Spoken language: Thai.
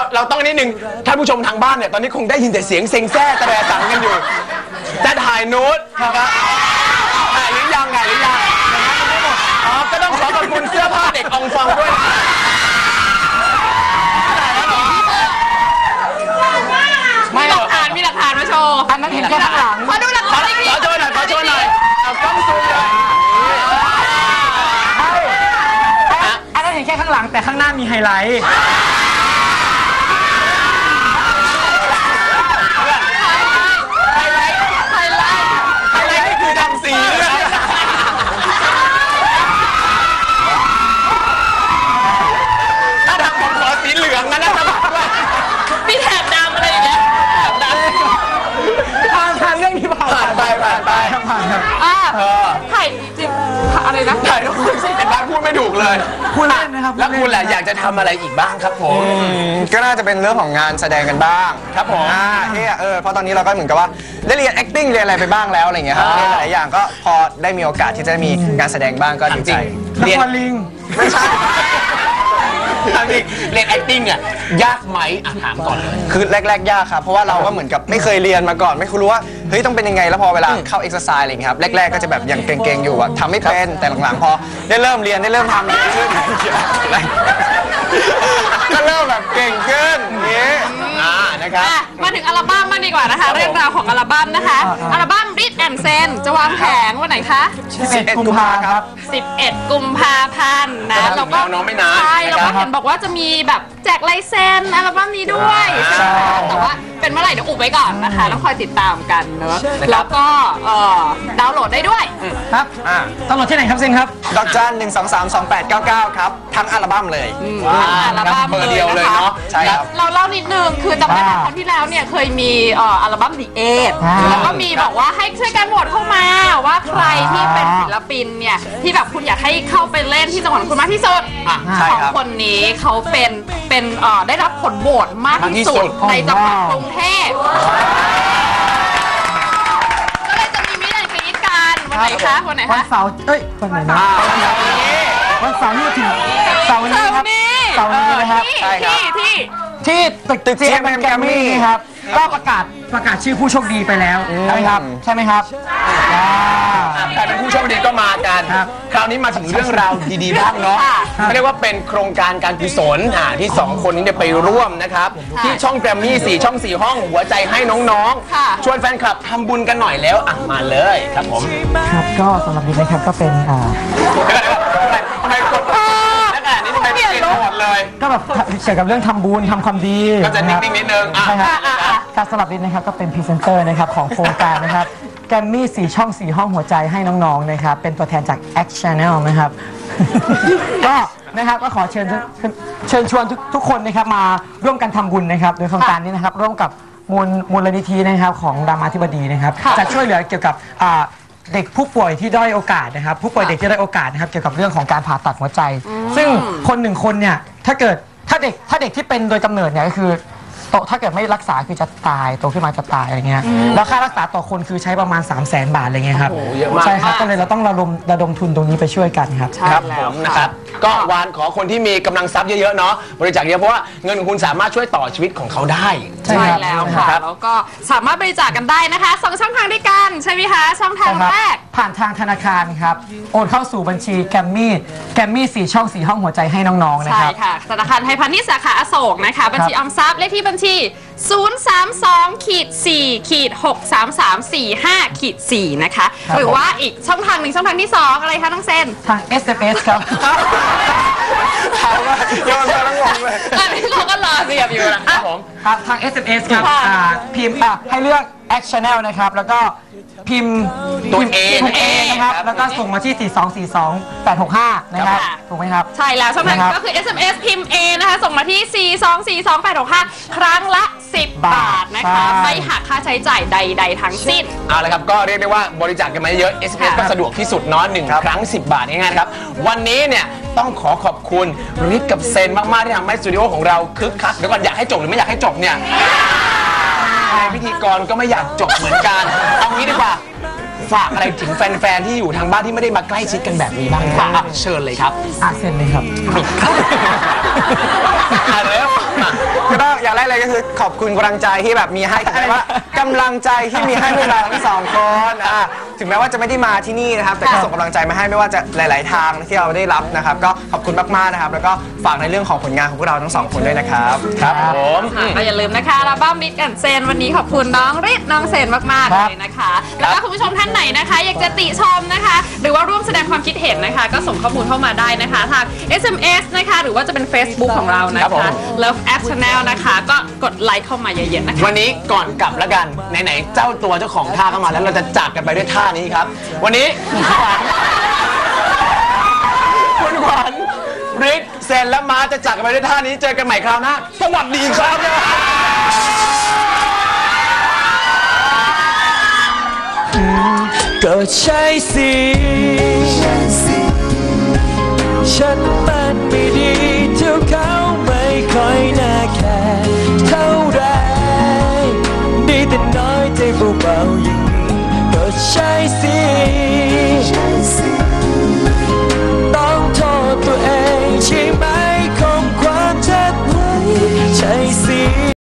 เราต้องนิดนึงท่านผู้ชมทางบ้านเนี่ยตอนนี้คงได้ยินแต่เสียงเซ็งแซ่ตะแรสังกันอยู่จะถ่ายนูดนะครับถ่ายหรือยังอ๋อก็ต้องขอขอบคุณเสื้อผ้าเด็กอองฟองด้วยมีหลักฐานมาโชว์อันนั้นเห็นแค่ข้างหลังขอดูหลักฐานขอโชว์หน่อยเอากล้องซูมเลยอันนั้นเห็นแค่ข้างหลังแต่ข้างหน้ามีไฮไลท์นี่คือทำสีถ้าทำผมขอสีเหลืองนะสมัครด้วยมีแถบดำอะไรอย่างเงี้ยผ่านเรื่องนี้ผ่านไปครับถ่ายจริงอะไรนะถ่ายทุกคนสิเป็นบ้านพูดไม่ถูกเลยพูดเล่นนะครับแล้วคุณแหละอยากจะทำอะไรอีกบ้างครับผมก็น่าจะเป็นเรื่องของงานแสดงกันบ้างครับผมเพราะตอนนี้เราก็เหมือนกับว่าได้เรียน acting เรียนอะไรไปบ้างแล้วอะไรเงี้ยครับเรียนหลายอย่างก็พอได้มีโอกาสที่จะมีงานแสดงบ้างก็ดีใจเรียนลิงไม่ใช่เรียน acting เนี่ยยากไหมถามก่อนเลยคือแรกๆยากครับเพราะว่าเราก็เหมือนกับไม่เคยเรียนมาก่อนไม่รู้ว่าเฮ้ยต้องเป็นยังไงแล้วพอเวลาเข้า exercise อะไรเงี้ยครับแรกๆก็จะแบบยังเก่งๆอยู่ทำไม่เป็นแต่หลังๆพอได้เริ่มเรียนได้เริ่มทำขึ้นก็เริ่มแบบเก่งขึ้นนี้นะครับมาถึงอัลบั้มมาดีกว่านะคะเรื่องราวของอัลบั้มนะคะอัลบั้ม Read and Zen จะวางแผงวันไหนคะ 11 กุมภาครับ 11 กุมภาพันธ์นะเราก็ใช่เราก็เห็นบอกว่าจะมีแบบแจกลายเซ็นอัลบั้มนี้ด้วยแต่ว่าเป็นเมื่อไหร่เดี๋ยวอุบไว้ก่อนนะคะต้องคอยติดตามกันเนอะแล้วก็ดาวน์โหลดได้ด้วยครับดาวน์โหลดที่ไหนครับเซ็นครับดอกจัน1232899ครับทั้งอัลบั้มเลยอัลบั้มเดียวเลยเนาะใช่ครับเราเล่านิดนึงคือจำได้ครั้งที่แล้วเนี่ยเคยมีอัลบั้ม The Eight แล้วก็มีบอกว่าให้ช่วยกันโหวตเข้ามาว่าใครที่เป็นศิลปินเนี่ยที่แบบคุณอยากให้เข้าไปเล่นที่จังหวัดคุณมากที่สุดของคนนี้เขาเป็นได้รับผลโหวตมากที่สุดในจังหวัดกรุงเทพก็เลยจะมีมิตรแอนด์กรี๊ดกันวันไหนคะวันไหนคะวันเสาร์วันไหนนะวันเสาร์นี่ถึงเสาร์นี้ครับเสาร์นี้นะครับที่ตึก GMM แกรมมี่ครับก็ประกาศชื่อผู้โชคดีไปแล้วใช่ไหมครับใครเป็นผู้โชคดีก็มากันคราวนี้มาถึงเรื่องราวดีๆบ้างเนาะเรียกว่าเป็นโครงการการกุศลที่2คนนี้ไปร่วมนะครับที่ช่องแกรมมี่4ช่อง4ห้องหัวใจให้น้องๆชวนแฟนคลับทำบุญกันหน่อยแล้วมาเลยครับผมครับก็สำหรับนี้นะครับก็เป็นทำไมกดแล้วขนาดนี้ทำไมเปลี่ยนหมดเลยก็แบบเกี่ยวกับเรื่องทำบุญทำความดีก็จะนิ่งๆนิดนึงใช่ครับการสำหรับนี้นะครับก็เป็นพรีเซนเตอร์นะครับของโครงการนะครับแกรมมี่4ช่อง4ห้องหัวใจให้น้องๆนะครับเป็นตัวแทนจาก X Channel นะครับก็นะครับก็ขอเชิญชวนทุกคนนะครับมาร่วมกันทำบุญนะครับโดยโครงการนี้นะครับร่วมกับมูลนิธินะครับของรามาธิบดีนะครับจะช่วยเหลือเกี่ยวกับเด็กผู้ป่วยที่ด้อยโอกาสนะครับผู้ป่วยเด็กที่ด้อยโอกาสนะครับเกี่ยวกับเรื่องของการผ่าตัดหัวใจซึ่งคน1คนเนี่ยถ้าเด็กที่เป็นโดยกำเนิดเนี่ยก็คือถ้าเกิดไม่รักษาคือจะตายโตขึ้นมาจะตายอะไรเงี้ยแล้วค่ารักษาต่อคนคือใช้ประมาณ300,000 บาทอะไรเงี้ยครับใช่ครับก็เลยเราต้องระดมทุนตรงนี้ไปช่วยกันครับครับผมนะครับก็วานขอคนที่มีกำลังทรัพย์เยอะๆเนาะบริจาคเยอะเพราะว่าเงินของคุณสามารถช่วยต่อชีวิตของเขาได้ใช่แล้วค่ะแล้วก็สามารถบริจาคกันได้นะคะ2ช่องทางด้วยกันใช่ไหมคะช่องทางแรกผ่านทางธนาคารครับโอนเข้าสู่บัญชีแกรมมี่4ช่อง4ห้องหัวใจให้น้องๆนะครับใช่ค่ะธนาคารไทยพาณิชย์สาขาอโศกนะคะบัญชีออมทรัพย์เลขที่บัญชี032-4-63345-4นะคะหรือว่าอีกช่องทางหนึ่งช่องทางที่2อะไรคะน้องเซนทาง SMS ครับโยนมาทั้งงงเลยอันนี้เราก็รอเรียบอยู่นะครับผมครับทาง SMS ครับพิมพ์ให้เลือก X Channel นะครับแล้วก็พิมพ์ตัวเอนะครับแล้วก็ส่งมาที่4242865นะครับถูกไหมครับใช่แล้วช่องทางก็คือ SMS พิมพ์ A นะคะส่งมาที่4242865ครั้งละ10 บาทนะคะไม่หักค่าใช้จ่ายใดๆทั้งสิ้นเอาละครับก็เรียกได้ว่าบริจาคกันมาเยอะ SMS ก็สะดวกที่สุดเนาะ1 ครั้ง10 บาทง่ายๆนะครับวันนี้เนี่ยต้องขอขอบคุณริทกับเซนมากๆที่ทำให้สตูดิโอของเราคึกคักเดี๋ยวก่อนอยากให้จบหรือไม่อยากให้จบเนี่ยพิธีกรก็ไม่อยากจบเหมือนกันเอางี้ดีกว่าฝากอะไรถึงแฟนๆที่อยู่ทางบ้านที่ไม่ได้มาใกล้ชิดกันแบบนี้บ้างครับเชิญเลยครับเซ็นเลยครับเร็วก็อย่างแรกเลยก็คือขอบคุณกำลังใจที่แบบมีให้ถึงแม้ว่ากำลังใจที่มีให้พวกเราทั้งสองคนถึงแม้ว่าจะไม่ได้มาที่นี่นะครับแต่ก็ส่งกำลังใจมาให้ไม่ว่าจะหลาย ๆ ทางที่เราได้รับนะครับก็ขอบคุณมากๆนะครับแล้วก็ฝากในเรื่องของผลงานของพวกเราทั้งสองคนด้วยนะครับครับผมก็อย่าลืมนะคะอัลบั้มริทกับเซนวันนี้ขอบคุณน้องริทน้องเซนมากๆเลยนะคะ แล้วก็คุณผู้ชมท่านไหนนะคะ อยากจะติชมนะคะ หรือว่าร่วมแสดงความคิดเห็นนะคะ ก็ส่งข้อมูลเข้ามาได้นะคะทาง SMS นะคะหรือว่าจะเป็น Facebook ของเรานะคะ Love App Channel นะคะก็กดไลค์เข้ามาเยอะๆนะคะวันนี้ก่อนกลับแล้วกันไหนๆเจ้าตัวเจ้าของท่าเข้ามาแล้วเราจะจากกันไปด้วยท่านี้ครับ วันนี้คุณขวัญริกเซนและมาจะจากกันไปด้วยท่านี้เจอกันใหม่คราวหน้าสวัสดีครับก็ใช่สิฉันมันไม่ดีเท่าเขาไม่ค่อยน่าแคร์เท่าไรดีแต่น้อยใจเบาๆอย่างนี้ก็ใช่สิ